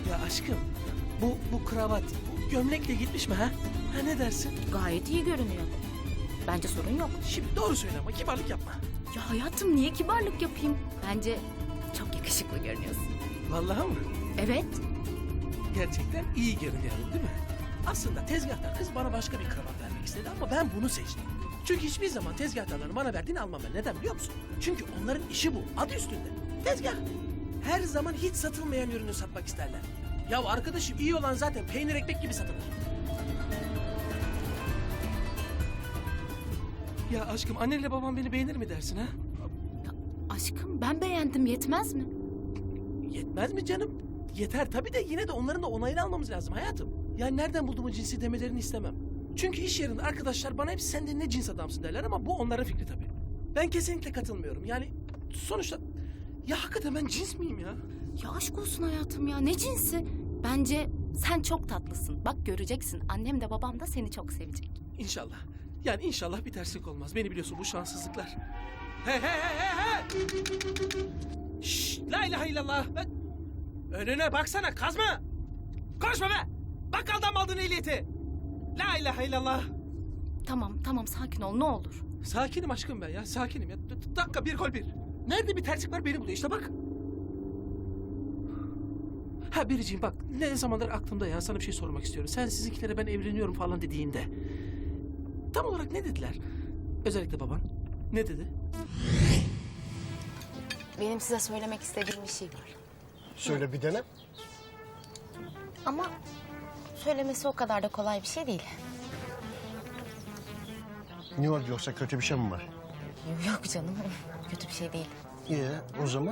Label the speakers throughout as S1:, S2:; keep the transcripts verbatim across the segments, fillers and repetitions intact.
S1: Ya aşkım, bu bu kravat, bu gömlekle gitmiş mi ha? Ha ne dersin?
S2: Gayet iyi görünüyor. Bence sorun yok.
S1: Şimdi doğru söyle ama kibarlık yapma.
S2: Ya hayatım niye kibarlık yapayım? Bence çok yakışıklı görünüyorsun.
S1: Vallahi mı?
S2: Evet.
S1: Gerçekten iyi görünüyorum değil mi? Aslında tezgahtar kız bana başka bir kravat vermek istedi ama ben bunu seçtim. Çünkü hiçbir zaman tezgahtarların bana verdiğini almam ben. Neden biliyor musun? Çünkü onların işi bu. Adı üstünde. Tezgah. Her zaman hiç satılmayan ürünü satmak isterler. Ya arkadaşım iyi olan zaten peynir ekmek gibi satılır. Ya aşkım annenle babam beni beğenir mi dersin ha?
S2: Ya aşkım ben beğendim yetmez mi?
S1: Yetmez mi canım? Yeter tabii de yine de onların da onayını almamız lazım hayatım. Yani nereden buldum o cinsi demelerini istemem. Çünkü iş yerinde arkadaşlar bana hep sen de ne cins adamsın derler ama bu onların fikri tabii. Ben kesinlikle katılmıyorum. Yani sonuçta ya hakikaten ben cins miyim ya?
S2: Ya aşk olsun hayatım ya ne cinsi? Bence sen çok tatlısın. Bak göreceksin annem de babam da seni çok sevecek.
S1: İnşallah. Yani inşallah bir terslik olmaz. Beni biliyorsun bu şanssızlıklar. He he he he he. Şşş, la ilahe illallah. Ben... Önüne baksana kazma. Konuşma be. Bakkaldan mı aldın ehliyeti? La ilahe illallah.
S2: Tamam tamam sakin ol ne olur.
S1: Sakinim aşkım ben ya sakinim ya. D- dakika bir gol bir. Nerede bir terslik var beni buluyor işte bak. Ha Biriciğim bak ne zamandır aklımda ya sana bir şey sormak istiyorum. Sen sizinkilere ben evleniyorum falan dediğinde. Tam olarak ne dediler? Özellikle baban. Ne dedi?
S2: Benim size söylemek istediğim bir şey var.
S3: Söyle bir dene.
S2: Ama söylemesi o kadar da kolay bir şey değil.
S3: Ne oldu yoksa kötü bir şey mi var?
S2: Yok canım kötü bir şey değil.
S3: İyi o zaman.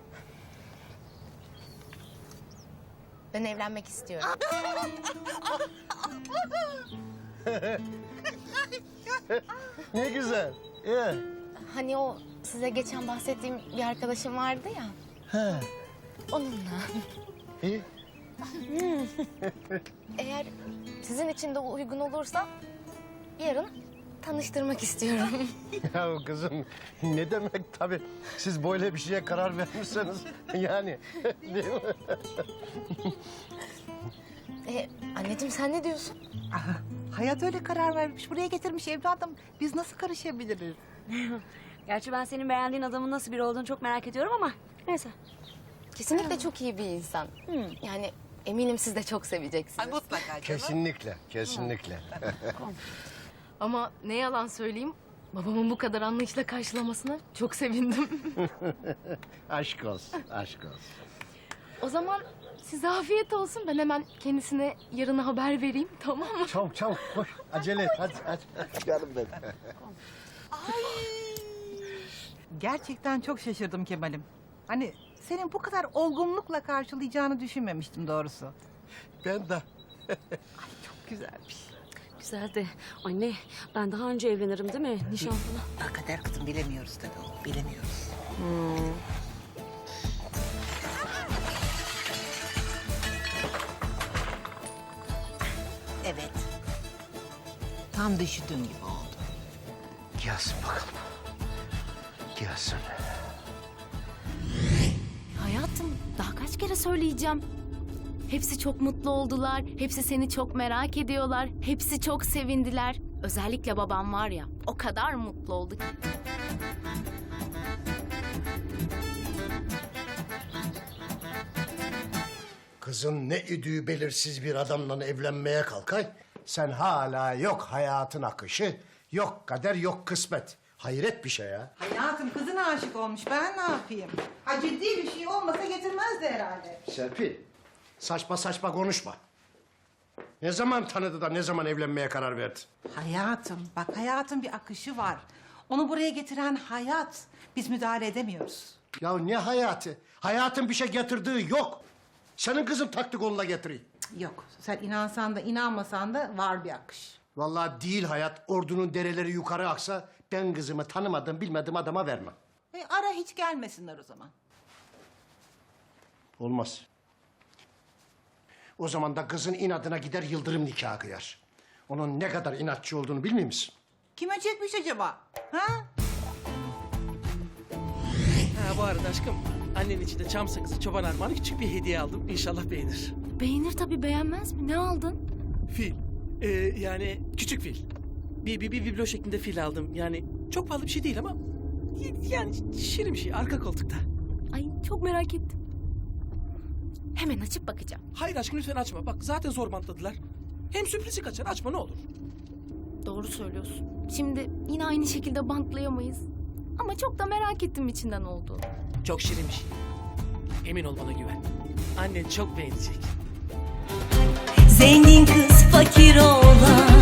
S2: Ben evlenmek istiyorum.
S3: Ne güzel. İyi.
S2: Hani o size geçen bahsettiğim bir arkadaşım vardı ya.
S3: He.
S2: Onunla.
S3: İyi.
S2: Eğer sizin için de uygun olursa yarın tanıştırmak istiyorum.
S3: Ya kızım ne demek tabii. Siz böyle bir şeye karar vermişseniz yani. Değil mi?
S2: Ee, anneciğim sen ne diyorsun?
S4: Aha, hayat öyle karar vermiş. Buraya getirmiş evladım. Biz nasıl karışabiliriz?
S5: Gerçi ben senin beğendiğin adamın nasıl biri olduğunu çok merak ediyorum ama neyse.
S2: Kesinlikle çok iyi bir insan. Yani eminim siz de çok seveceksiniz.
S4: Ay mutlaka canım.
S3: Kesinlikle, kesinlikle.
S2: Ama ne yalan söyleyeyim, babamın bu kadar anlayışla karşılamasına çok sevindim.
S3: Aşk olsun, aşk olsun.
S2: O zaman size afiyet olsun. Ben hemen kendisine yarına haber vereyim, tamam mı?
S3: Çabuk çabuk koş. Acele et hadi hadi. Canım benim.
S4: Gerçekten çok şaşırdım Kemal'im. Hani senin bu kadar olgunlukla karşılayacağını düşünmemiştim doğrusu.
S3: Ben de.
S4: Çok güzelmiş.
S5: Güzel de anne ben daha önce evlenirim değil mi nişan falan?
S4: Ha, kader kızım bilemiyoruz tabii oğlum, bilemiyoruz. Evet. Tam düşündüğün gibi oldu.
S3: Gelsin bakalım. Gelsin.
S2: Hayatım, daha kaç kere söyleyeceğim. Hepsi çok mutlu oldular. Hepsi seni çok merak ediyorlar. Hepsi çok sevindiler. Özellikle babam var ya, o kadar mutlu oldu ki.
S3: Kızın ne idüğü belirsiz bir adamla evlenmeye kalkay. Sen hala yok hayatın akışı, yok kader, yok kısmet. Hayret bir şey ya.
S4: Hayatım kızına aşık olmuş. Ben ne yapayım? Ha ciddi bir şey olmasa getirmezdi herhalde.
S3: Serpil, saçma saçma konuşma. Ne zaman tanıdı da ne zaman evlenmeye karar verdi?
S4: Hayatım bak hayatın bir akışı var. Onu buraya getiren hayat. Biz müdahale edemiyoruz.
S3: Ya ne hayatı? Hayatın bir şey getirdiği yok. Senin kızın taktı koluna getiriyor.
S4: Yok sen inansan da inanmasan da var bir akış.
S3: Vallahi değil hayat. Ordunun dereleri yukarı aksa ben kızımı tanımadığım bilmediğim adama vermem.
S4: E, ara hiç gelmesinler o zaman.
S3: Olmaz. O zaman da kızın inadına gider yıldırım nikahı kıyar. Onun ne kadar inatçı olduğunu bilmiyor musun?
S4: Kime çekmiş acaba? Ha?
S1: Ha bu arada aşkım annen için de çam sakızı çoban armağanı küçük bir hediye aldım. İnşallah beğenir.
S2: beğenir tabii, beğenmez mi? Ne aldın?
S1: Fil. Ee, yani küçük fil. Bir, bir, bir biblo şeklinde fil aldım. Yani çok pahalı bir şey değil ama... Yani şirin bir şey, arka koltukta.
S2: Ay çok merak ettim. Hemen açıp bakacağım.
S1: Hayır aşkım lütfen açma. Bak zaten zor bantladılar. Hem sürprizi kaçar, açma ne olur.
S2: Doğru söylüyorsun. Şimdi yine aynı şekilde bantlayamayız. Ama çok da merak ettim içinden olduğunu.
S1: Çok şirin bir şey. Emin ol, bana güven. Annen çok beğenecek.
S6: Zengin kız fakir oğlan